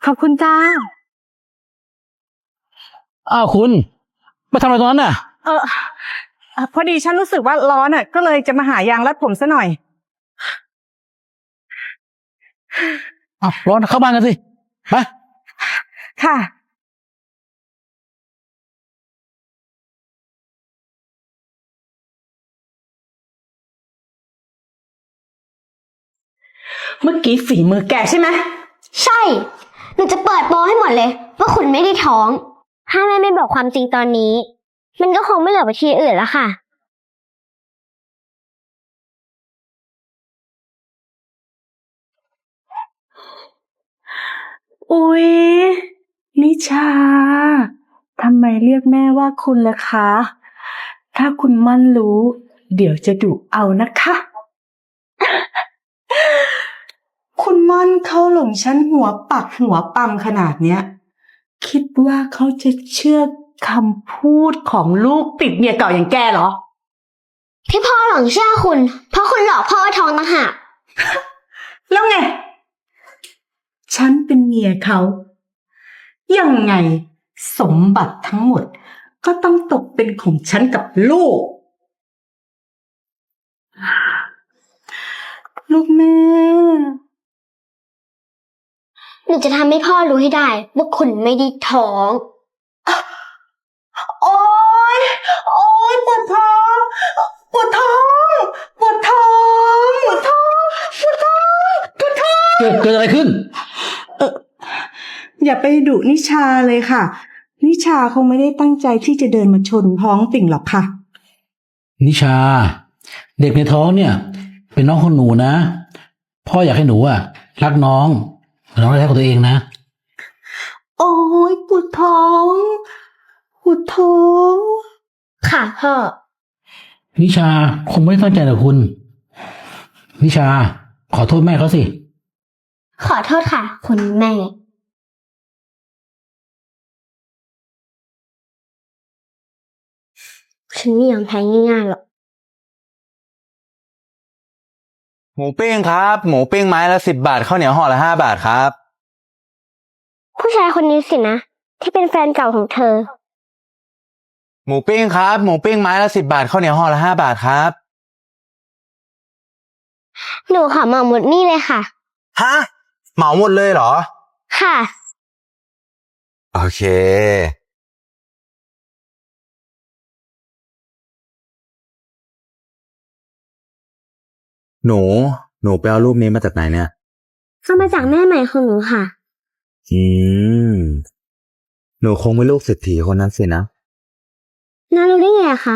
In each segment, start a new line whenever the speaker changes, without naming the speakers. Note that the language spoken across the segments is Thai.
ขอบคุณจ้า
อ้าวคุณมาทำอะไรตรงนั้นน่ะ
พอดีฉันรู้สึกว่าร้อนก็เลยจะมาหายางรัดผมซะหน่อย
อ้าวร้อนเข้าบ้านกันสิไป
ค่ะเมื่อกี้ฝีมือแกใช่ไหม
ใช่หนูจะเปิดโปให้หมดเลยว่าคุณไม่ได้ท้องถ้าแม่ไม่บอกความจริงตอนนี้มันก็คงไม่เหลือไปที่อื่นแล้วค่ะ
อุ๊ยนิชาทำไมเรียกแม่ว่าคุณล่ะคะ ถ้าคุณมั่นรู้เดี๋ยวจะดุเอานะคะ คุณมั่นเขาหลงฉันหัวปักหัวปั๊มขนาดเนี้ยคิดว่าเขาจะเชื่อคำพูดของลูกติดเมียเก่าอย่างแกเหรอ
ที่พ่อหลงเชื่อคุณเพราะคุณหลอกพ่อว่าท้องต่างหาก
แล้วไง ฉันเป็นเมียเขายังไงสมบัติทั้งหมดก็ต้องตกเป็นของฉันกับลูก ลูกแม่
หนูจะทำให้พ่อรู้ให้ได้ว่าคุณไม่ได้ท้อง
โอ๊ย โอ๊ยปวดท้อง ปวดท้อง ปวดท้อง ปวดท้อง ปวดท้อง ปวดท้อง
เกิดอะไรขึ้น
อย่าไปดุนิชาเลยค่ะ นิชาคงไม่ได้ตั้งใจที่จะเดินมาชนท้องติ่งหรอกค่ะ
นิชาเด็กในท้องเนี่ย เป็นน้องของหนูนะพ่ออยากให้หนูรักน้องน้องรักของตัวเองนะ
โอ๊ยปวดท้อง ปวดท้อง
ค่ะพ่อ
นิชาคงไม่ได้ตั้งใจหรอกคุณนิชาขอโทษแม่เขาสิ
ขอโทษค่ะ คุณแม่ฉันไม่ยอมแพ้ง่ายๆหรอก
หมูปิ้งครับหมูปิ้งไม้ละ10 บาทข้าวเหนียวห่อละ5 บาทครับ
ผู้ชายคนนี้สินะที่เป็นแฟนเก่าของเธอ
หมูปิ้งครับหมูปิ้งไม้ละ10 บาทข้าวเหนียวห่อละ5 บาทครับ
หนูขอเหมาหมดนี่เลยค่ะ
ฮะเหมาหมดเลยเหรอ
ค่ะ
โอเคหนูไปเอารูปนี้มาจากไหนเนี่ย
เอามาจากแม่ใหม่ของหนูค่ะ
อืมหนูคงเป็นลูกเศรษฐีคนนั้นสินะ
น้ารู้ได้ไงคะ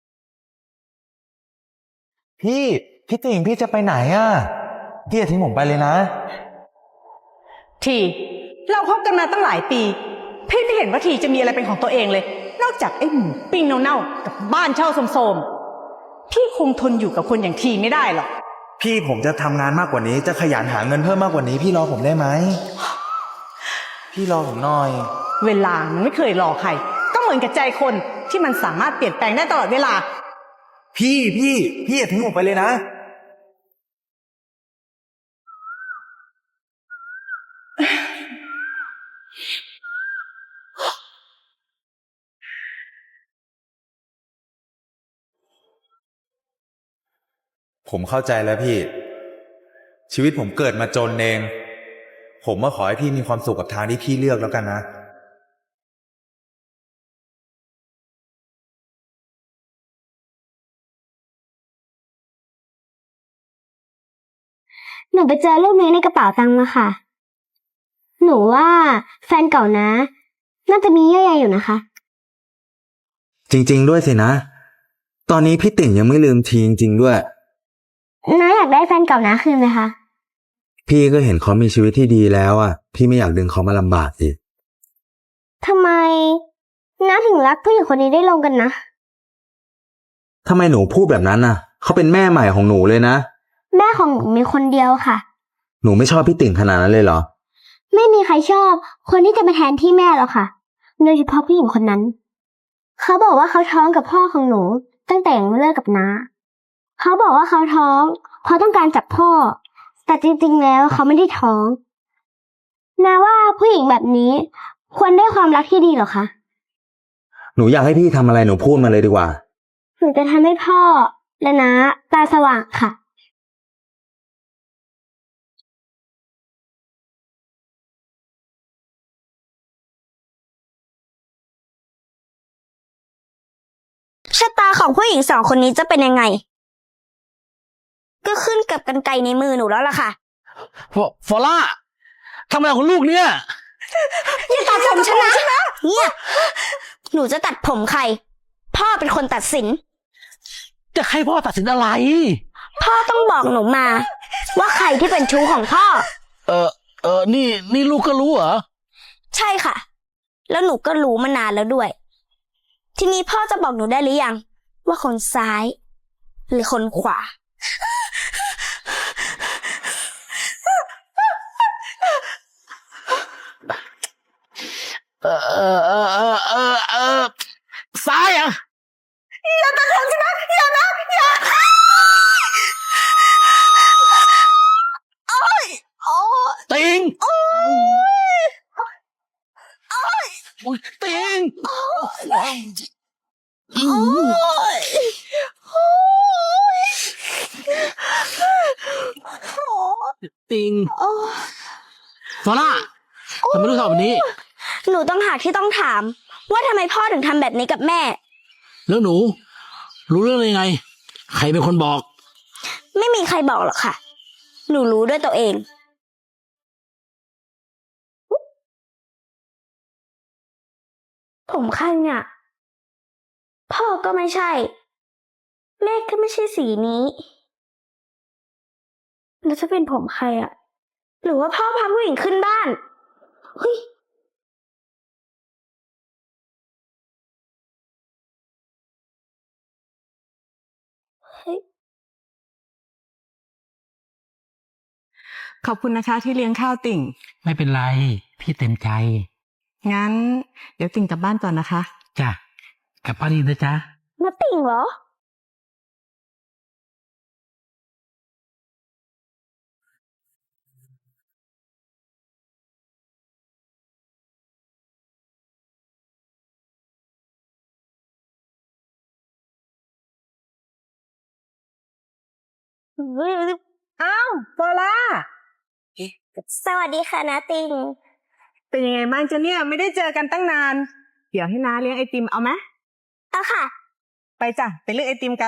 พี่ติ่งพี่จะไปไหนพี่อย่าทิ้งผมไปเลยนะ
ทีเราคบกันมาตั้งหลายปีพี่ไม่เห็นว่าทีจะมีอะไรเป็นของตัวเองเลย นอกจากไอ้หมูปิ้งเน่าๆกับบ้านเช่าโสมๆพี่คงทนอยู่กับคนอย่างทีไม่ได้หรอก
พี่ผมจะทำงานมากกว่านี้จะขยันหาเงินเพิ่มมากกว่านี้พี่รอผมได้ไหมพี่รอผมหน่อย
เวลามันไม่เคยรอใครก็เหมือนกับใจคนที่มันสามารถเปลี่ยนแปลงได้ตลอดเวลา
พี่อย่าทิ้งผมไปเลยนะผมเข้าใจแล้วพี่ชีวิตผมเกิดมาจนเองผมขอให้พี่มีความสุขกับทางที่พี่เลือกแล้วกันนะ
หนูไปเจอรูปนี้ในกระเป๋าตังค์มาค่ะหนูว่าแฟนเก่านะน่าจะมีเยื่อใยอยู่นะคะ
จริงๆด้วยสินะตอนนี้พี่ติ่งยังไม่ลืมทีจริงๆด้วย
น้าอยากได้แฟนเก่านะคืนไหมคะ
พี่ก็เห็นเขามีชีวิตที่ดีแล้วพี่ไม่อยากดึงเขามาลำบากสิ
ทำไมน้าถึงรักผู้หญิงคนนี้ได้ลงกันนะ
ทำไมหนูพูดแบบนั้นเขาเป็นแม่ใหม่ของหนูเลยนะ
แม่ของหนูมีคนเดียวค่ะ
หนูไม่ชอบพี่ติ่งขนาดนั้นเลยเหรอ
ไม่มีใครชอบคนที่จะมาแทนที่แม่หรอกค่ะโดยเฉพาะผู้หญิงคนนั้นเขาบอกว่าเขาท้องกับพ่อของหนูตั้งแต่ยังไม่เลิกกับน้าเขาบอกว่าเขาท้องเพราะต้องการจับพ่อแต่จริงๆแล้วเขาไม่ได้ท้องนาว่าผู้หญิงแบบนี้ ควรได้ความรักที่ดีเหรอคะ
หนูอยากให้พี่ทำอะไรหนูพูดมาเลยดีกว่า
หนูจะทำให้พ่อและน้าตาสว่างค่ะ
ชะตาของผู้หญิงสองคนนี้จะเป็นยังไง ก็ขึ้นกับกรรไกรในมือหนูแล้วล่ะค่ะ
ฟอล่าทำอะไรของลูกเนี่ย
อย่าตัดผมฉันนะเนี่ยหนูจะตัดผมใคร พ่อเป็นคนตัดสิน
จะให้พ่อตัดสินอะไร
พ่อต้องบอกหนูมา ว่าใครที่เป็นชู้ของพ่อ
นี่ลูกก็รู้เหรอ
ใช่ค่ะ แล้วหนูก็รู้มานานแล้วด้วย ทีนี้พ่อจะบอกหนูได้หรือยัง ว่าคนซ้าย หรือคนขวา
ซ้ายอ่ะ ติงโอ้ยติงติงฟอล่าทำไมลูกทำแบบนี้
หนูต้องหาที่ต้องถาม ว่าทำไมพ่อถึงทำแบบนี้กับแม่
แล้วหนู รู้เรื่องได้ยังไง ใครเป็นคนบอก
ไม่มีใครบอกหรอกค่ะ หนูรู้ด้วยตัวเอง ผมใครเนี่ย พ่อก็ไม่ใช่ แม่ก็ไม่ใช่สีนี้ แล้วจะเป็นผมใครอะหรือว่าพ่อพาผู้หญิงขึ้นบ้าน เฮ้ย เฮ้ย
ขอบคุณนะคะที่เลี้ยงข้าวติ่ง
ไม่เป็นไร พี่เต็มใจ
งั้น เดี๋ยวติ่งกลับบ้านก่อนนะคะ
จ้ะกลับบ้านดีนะจ๊ะ
มาติ่งเหรอ
อ้าวโซล่า
สวัสดีค่ะนาติง
เป็นยังไงบ้างจ๊ะเนี่ย ไม่ได้เจอกันตั้งนาน เดี๋ยวให้น้าเลี้ยงไอติมเอาไหม
เอาค่ะ
ไปจ้ะ ไปเลือกไอติมกัน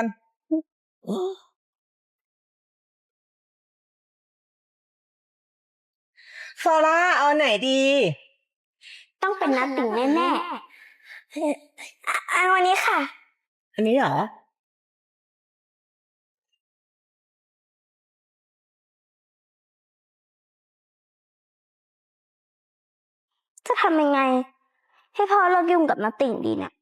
โซล่าเอาไหนดี
ต้องเป็นนาติงแน่ๆเอาวันนี้ค่ะ
อันนี้เหรอ
จะทำยังไง ให้พ่อเลิกยุ่งกับนาติ่งดีเนี่ย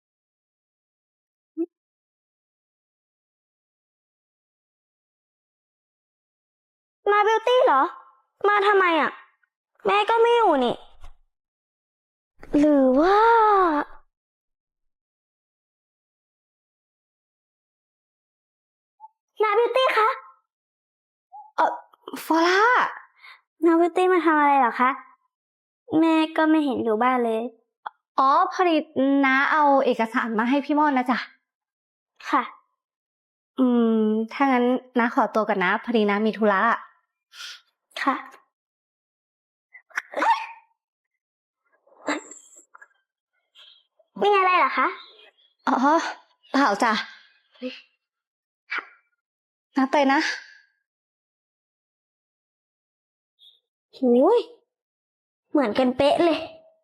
มาบิวตี้เหรอ มาทำไมอ่ะ แม่ก็ไม่อยู่นี่ หรือว่านาบิวตี้คะ
ฟอล่า
นาบิวตี้มาทำอะไรเหรอคะ แม่ก็ไม่เห็นอยู่บ้านเลย
อ๋อพอดีน้าเอาเอกสารมาให้พี่ม่อนนะจ๊ะ
ค่ะ
ถ้างั้นน้าขอตัวก่อนนะ พอดีน้ามีธุระ
ค่ะ มีอะไรเหรอคะ
อ๋อเปล่าจ้ะน้าไปนะ
หูยเหมือนกันเป๊ะเลย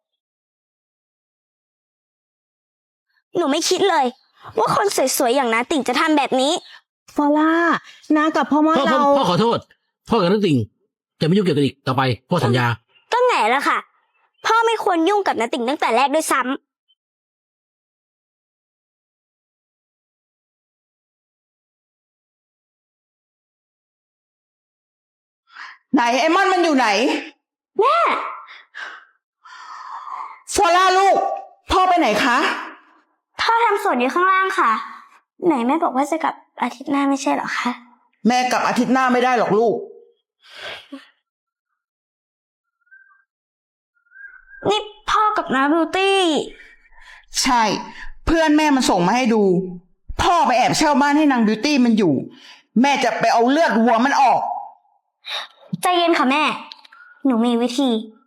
หนูไม่คิดเลย ว่าคนสวยๆอย่างน้าติ่งจะทำแบบนี้
ฟอล่าน้ากับพ่อมอ
พ่อ
เรา
พ่อขอโทษ พ่อกับนักติ่งจะไม่ยุ่งเกี่ยวกันอีกต่อไป พ่อสัญญา
ก็แง่แล้วค่ะ พ่อไม่ควรยุ่งกับน้าติ่งตั้งแต่แรกด้วยซ้ำ
ไหนไอมอนมันอยู่ไหน
แม่
ฟอล่าลูก พ่อไปไหนคะ
พ่อทำสวนอยู่ข้างล่างค่ะ ไหนแม่บอกว่าจะกลับอาทิตย์หน้าไม่ใช่เหรอคะ
แม่กลับอาทิตย์หน้าไม่ได้หรอกลูก
นี่พ่อกับน้าบิวตี้
ใช่ เพื่อนแม่มันส่งมาให้ดู พ่อไปแอบเช่าบ้านให้นางบิวตี้มันอยู่ แม่จะไปเอาเลือดวัวมันออก
ใจเย็นค่ะแม่ หนูมีวิธี